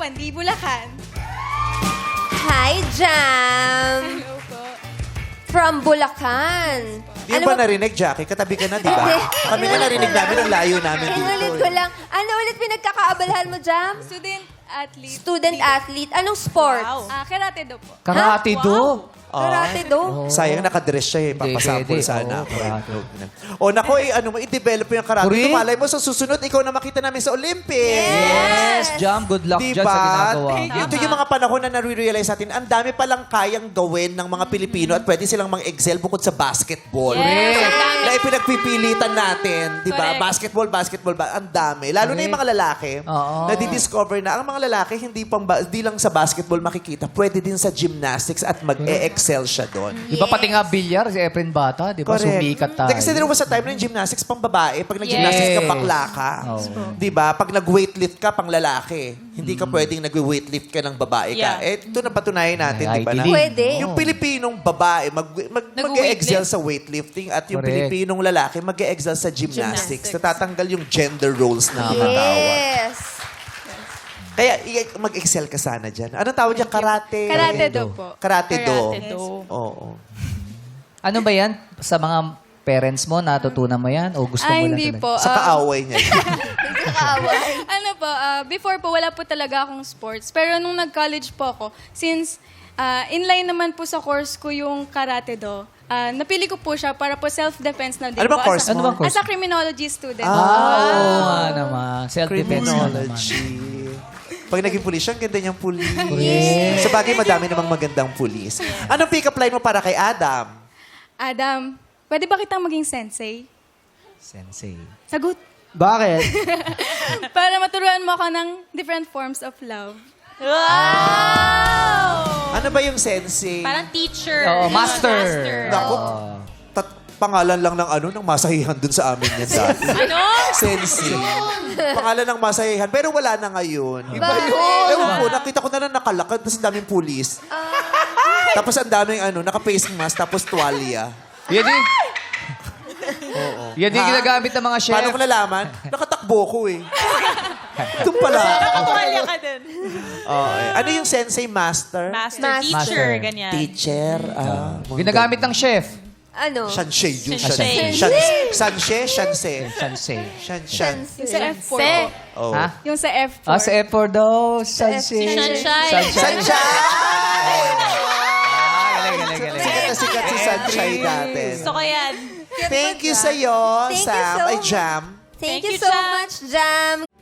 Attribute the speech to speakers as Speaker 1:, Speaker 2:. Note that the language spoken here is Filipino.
Speaker 1: Pandi, Bulacan.
Speaker 2: Hi, Jam!
Speaker 1: Hello po.
Speaker 2: From Bulacan.
Speaker 3: Di ba narinig, Jackie? Katabi ka na, di ba?
Speaker 2: Hindi.
Speaker 3: Kami nga narinig namin ang layo namin
Speaker 2: Inulit
Speaker 3: dito.
Speaker 2: ko lang. Ano ulit pinagkakaabalahan mo, Jam?
Speaker 1: Student athlete.
Speaker 2: Student athlete. Anong sports?
Speaker 1: Wow. Karate do po.
Speaker 4: Karate do.
Speaker 2: Karate do.
Speaker 3: Sayang nakadress siya eh. Papasapol
Speaker 4: Pwede.
Speaker 3: sana
Speaker 4: Oo,
Speaker 3: ako.
Speaker 4: karate.
Speaker 3: O nako i-develop mo yung karate.
Speaker 4: Correct.
Speaker 3: Tumalay mo sa susunod, ikaw na makita namin sa Olympics.
Speaker 4: Yes, Jam. Good luck dyan sa ginagawa mo.
Speaker 3: Ito yung mga panahon na nare-realize natin, ang dami palang kayang gawin ng mga Pilipino at pwede silang mag-excel bukod sa basketball.
Speaker 1: Yes.
Speaker 3: Na ipinagpipilitan natin, di ba?
Speaker 1: Correct.
Speaker 3: Basketball, ang dami. Lalo na yung mga lalaki,
Speaker 4: Oo.
Speaker 3: nadidiscover na ang mga lalaki hindi lang sa basketball makikita, pwede din sa gymnastics at mag-e-excel siya doon.
Speaker 4: Di ba pati nga bilyar, si Efren Bata, di ba? Sumikat tayo.
Speaker 3: Hindi, kasi din sa time na yung gymnastics pang babae, pag nag-gymnastics ka,
Speaker 4: Yes.
Speaker 3: bakla ka.
Speaker 4: Oo.
Speaker 3: Di ba? Pag nag-weightlift ka, pang lalaki. Hindi ka pwedeng nag-weightlift ka ng babae ka.
Speaker 1: Yeah.
Speaker 3: Eh, ito napatunayan natin,
Speaker 4: Ay,
Speaker 3: di ba? Na,
Speaker 4: ideally.
Speaker 2: Pwede.
Speaker 3: yung Pilipinong babae, mag-e-excel
Speaker 1: Nag-weightlift.
Speaker 3: sa weightlifting at yung
Speaker 4: Correct.
Speaker 3: Pilipinong lalaki, mag-e-excel sa gymnastics. Natatanggal yung gender roles na mga tao.
Speaker 2: Yes.
Speaker 3: Kaya mag-excel ka sana dyan. Anong tawag dyan? Karate?
Speaker 1: Karate do po.
Speaker 3: Karate do.
Speaker 1: Karate do.
Speaker 3: Oo.
Speaker 4: Ano ba yan? Sa mga parents mo, natutunan mo yan? O gusto mo lang
Speaker 1: Hindi
Speaker 4: talaga?
Speaker 1: po.
Speaker 3: Sa kaaway niya.
Speaker 2: Hindi kaaway.
Speaker 1: Ano po, before po, wala po talaga akong sports. Pero nung nag-college po ako, since inline naman po sa course ko yung karate do, napili ko po siya para po self-defense na din
Speaker 3: Ano bang
Speaker 1: po.
Speaker 3: course
Speaker 4: mo? Ano bang course?
Speaker 1: As a criminology student.
Speaker 4: Oo nga naman. Self-defense nga naman.
Speaker 3: Criminology. Pag naging pulis siya, ang ganda niyang pulis.
Speaker 4: Yes.
Speaker 3: Sa bagay, madami namang magandang pulis. Anong pick-up line mo para kay Adam?
Speaker 1: Adam, pwede ba kitang maging sensei?
Speaker 4: Sensei.
Speaker 1: Sagot.
Speaker 5: Bakit?
Speaker 1: Para maturuan mo ako ng different forms of love.
Speaker 3: Ano ba yung sensei?
Speaker 6: Parang teacher.
Speaker 4: Oo, master.
Speaker 3: Naku, pangalan lang ng masahihan dun sa amin yan dati.
Speaker 6: Ano?
Speaker 3: Sensei. Pangalan ng masahihan. Pero wala na ngayon. Iba
Speaker 2: yun.
Speaker 3: Ewan ko, nakita ko na lang nakalakad, tapos ang daming pulis. Tapos ang daming face mask, tapos tuwalya.
Speaker 4: Yan din. Yan din
Speaker 3: Ha?
Speaker 4: ginagamit ng mga chef.
Speaker 3: Paano ko nalaman? Nakatakbo ko eh. Doon pala.
Speaker 6: Nakatuwalya ka din.
Speaker 3: Okay. Ano yung sensei master?
Speaker 6: Master,
Speaker 2: Master.
Speaker 6: teacher, ganyan.
Speaker 3: Teacher.
Speaker 4: Ginagamit ng chef.
Speaker 2: Ano?
Speaker 3: Shanshe. Yung
Speaker 6: Shanshe.
Speaker 3: Shanshe. Shanshe.
Speaker 4: Sensei.
Speaker 3: Shanshan.
Speaker 1: Yung sa F4 po.
Speaker 3: Oh.
Speaker 4: Ha?
Speaker 1: Yung sa F4.
Speaker 4: Ah, sa F4 daw. Sensei.
Speaker 6: Sunshine.
Speaker 3: Sunshine!
Speaker 4: Galing.
Speaker 3: Sikat na sikat si Sunshine natin.
Speaker 6: Gusto ko yan.
Speaker 3: Thank you sa'yo,
Speaker 2: Thank you
Speaker 3: Sam.
Speaker 2: so
Speaker 3: Ay, Jam.
Speaker 2: Thank
Speaker 6: Thank
Speaker 2: you
Speaker 6: you,
Speaker 2: so
Speaker 6: Jam.
Speaker 2: much, Jam.